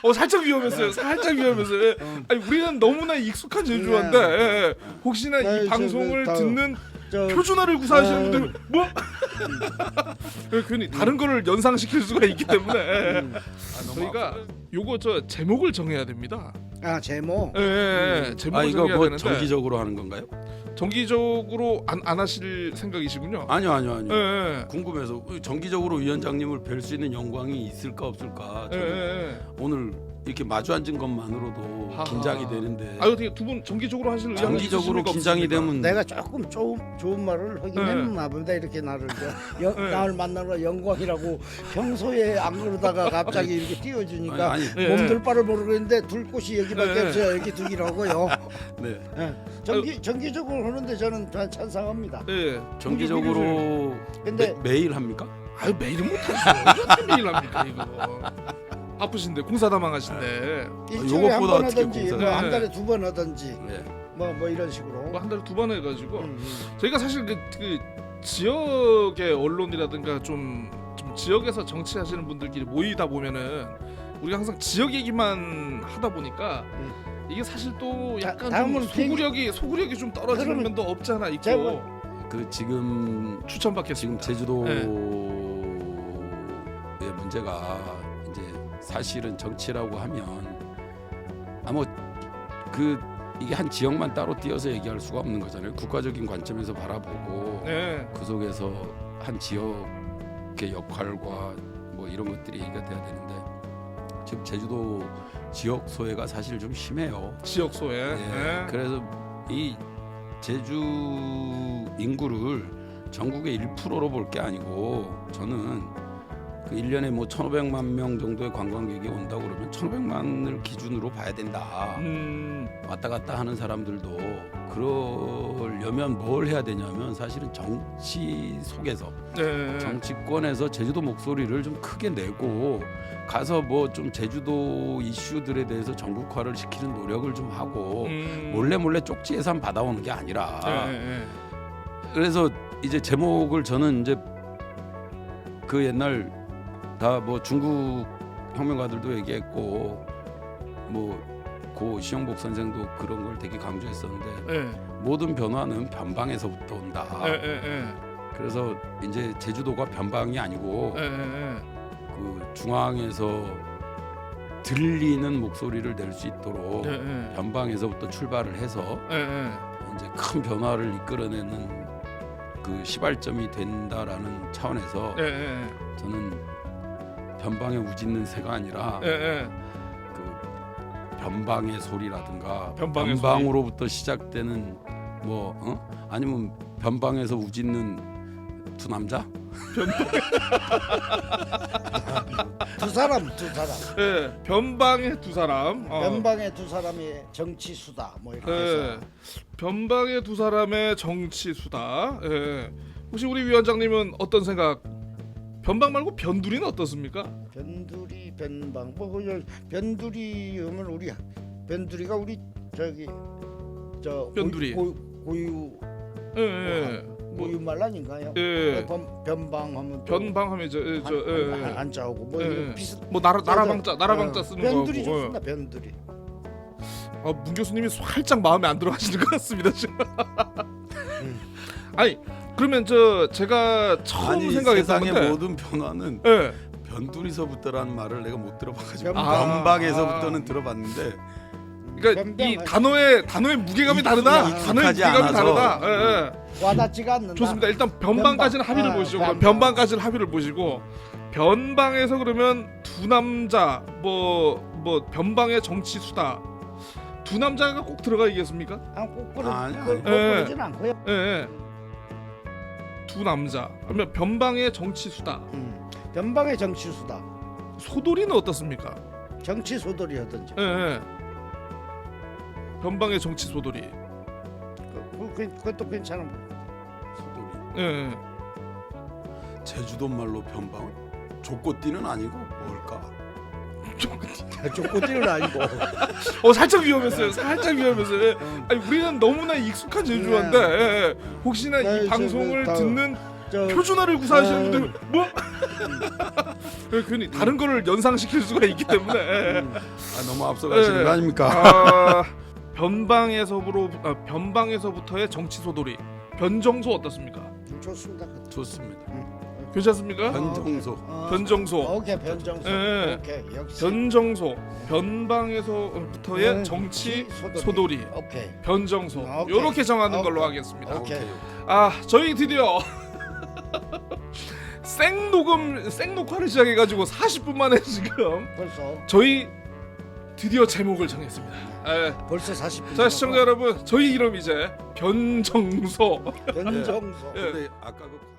살짝 위험했어요. 살짝 위험했어요. 아니 우리는 너무나 익숙한 제주어인데 혹시나 이 방송을 듣는 표준어를 구사하시는 분들 뭐 괜히 다른 거를 연상시킬 수가 있기 때문에 저희가 요거 저 제목을 정해야 됩니다. 아 제목. 제목을 이거 정해야 뭐 되는데 정기적으로 하는 건가요? 정기적으로 안 하실 생각이시군요. 아니요. 예. 궁금해서 정기적으로 위원장님을 뵐 수 있는 영광이 있을까 없을까. 저는 오늘 이렇게 마주 앉은 것만으로도 하하. 긴장이 되는데. 어떻게 두 분 정기적으로 하실 의향이 정기적으로 있으십니까, 긴장이 없습니까? 되면 내가 조금 좋은 말을 하긴 했나 보다. 이렇게 나를 나를 만나러 영광이라고 평소에 안 그러다가 갑자기 이렇게 띄워주니까 아니, 몸둘 바를 모르겠는데 둘 곳이 여기밖에 없어요. 여기 두기라고요. 네. 정기적으로 하는데 저는 찬성합니다. 예. 정기적으로 근데 매일 합니까? 매일은 못하죠. 어떻게 매일 합니까 이거? 바쁘신데 공사다망하신데 일주일에 한 요것보다 번 어떻게 하든지 공사를- 뭐 한 달에 두 번 하든지 네. 뭐 이런 식으로. 뭐 한 달에 두 번 해가지고 음. 저희가 사실 그 지역의 언론이라든가 좀 지역에서 정치하시는 분들끼리 모이다 보면은 우리가 항상 지역 얘기만 하다 보니까 이게 사실 또 약간 다음은 좀 소구력이 좀 떨어지는 그러면 면도 없지 않아 있고 제가 그 지금 추천받겠습니다. 제주도의 문제가 이제 사실은 정치라고 하면 이게 한 지역만 따로 띄어서 얘기할 수가 없는 거잖아요. 국가적인 관점에서 바라보고 네. 그 속에서 한 지역의 역할과 뭐 이런 것들이 얘기가 돼야 되는데 지금 제주도 지역 소외가 사실 좀 심해요. 지역 소외. 네. 그래서 이 제주 인구를 전국의 1%로 볼 게 아니고 저는 그 1년에 뭐 1,500만 명 정도의 관광객이 온다고 그러면 1,500만을 기준으로 봐야 된다. 왔다 갔다 하는 사람들도 그러려면 뭘 해야 되냐면 사실은 정치 속에서 정치권에서 제주도 목소리를 좀 크게 내고 가서 뭐 좀 제주도 이슈들에 대해서 전국화를 시키는 노력을 좀 하고 몰래 쪽지 예산 받아오는 게 아니라 그래서 이제 제목을 저는 이제 그 옛날 다 뭐 중국 혁명가들도 얘기했고 뭐 고 시영복 선생도 그런 걸 되게 강조했었는데 모든 변화는 변방에서부터 온다. 그래서 이제 제주도가 변방이 아니고 그 중앙에서 들리는 목소리를 낼 수 있도록 변방에서부터 출발을 해서 이제 큰 변화를 이끌어내는 그 시발점이 된다라는 차원에서 저는 변방에 우짖는 새가 아니라 그 변방의 소리라든가 변방으로부터 시작되는 뭐 아니면 변방에서 우짖는 두 남자? 두 사람. 변방의 두 사람. 변방의 두 사람의 정치 수다 뭐 이렇게 해서. 변방의 두 사람의 정치 수다. 혹시 우리 위원장님은 어떤 생각? 변방 말고 변두리는 어떻습니까? 변두리 변방 뭐 변두리 하면 우리 변두리가 우리 저기 저 변두리. 고유 고유말 아닌가요? 변방하면 변방하면 안자오고 뭐 이런 비슷 뭐 나라방자 쓰는 거고. 변두리 좋습니다. 변두리. 문 교수님이 살짝 마음에 안 들어하시는 것 같습니다 지금. 아니 그러면 제가 처음 생각했던 세상의 건데 모든 변화는 변두리서부터라는 말을 내가 못 들어봐가지고 변방에서부터는 들어봤는데 그러니까 이 단어의 무게감이 다르다. 단어의 무게감이 다르다. 와닿지가 않는다. 좋습니다. 일단 변방까지는 합의를 보시죠. 그럼 변방까지는 합의를 보시고 변방에서 그러면 두 남자 뭐 변방의 정치 수다. 두 남자가 꼭 들어가 있겠습니까? 꼭 그러진 않고요. 두 남자. 그러면 변방의 정치 수다. 변방의 정치 수다. 소돌이는 어떻습니까? 정치 소돌이 하든지. 변방의 정치 소돌이. 그것도 괜찮은 거. 소돌이. 제주도 말로 변방은 족고띠는 아니고 뭘까? 족고띠는 아니고. 살짝 위험했어요. 아니 우리는 너무나 익숙한 제주어인데 혹시나 이 방송을 듣는 표준어를 구사하시는 분들 뭐 괜히 다른 거를 연상시킬 수가 있기 때문에 너무 앞서가시는 네. 거 아닙니까? 변방에서부터의 정치 소돌이 변정소 어떻습니까? 좋습니다. 좋습니다. 괜찮습니까? 변정소. 변정소. 오케이 변정소. 예. 오케이 역시. 변정소. 변방에서부터의 네, 정치 소돌이. 오케이. 변정소. 오케이. 요렇게 정하는 오케이. 걸로 하겠습니다. 오케이. 저희 드디어 생녹화를 시작해가지고 40분 만에 지금 벌써 저희 드디어 제목을 정했습니다. 벌써 40분. 자 시청자 여러분, 저희 이름 이제 변정소. 변정소. 예. 근데 아까 그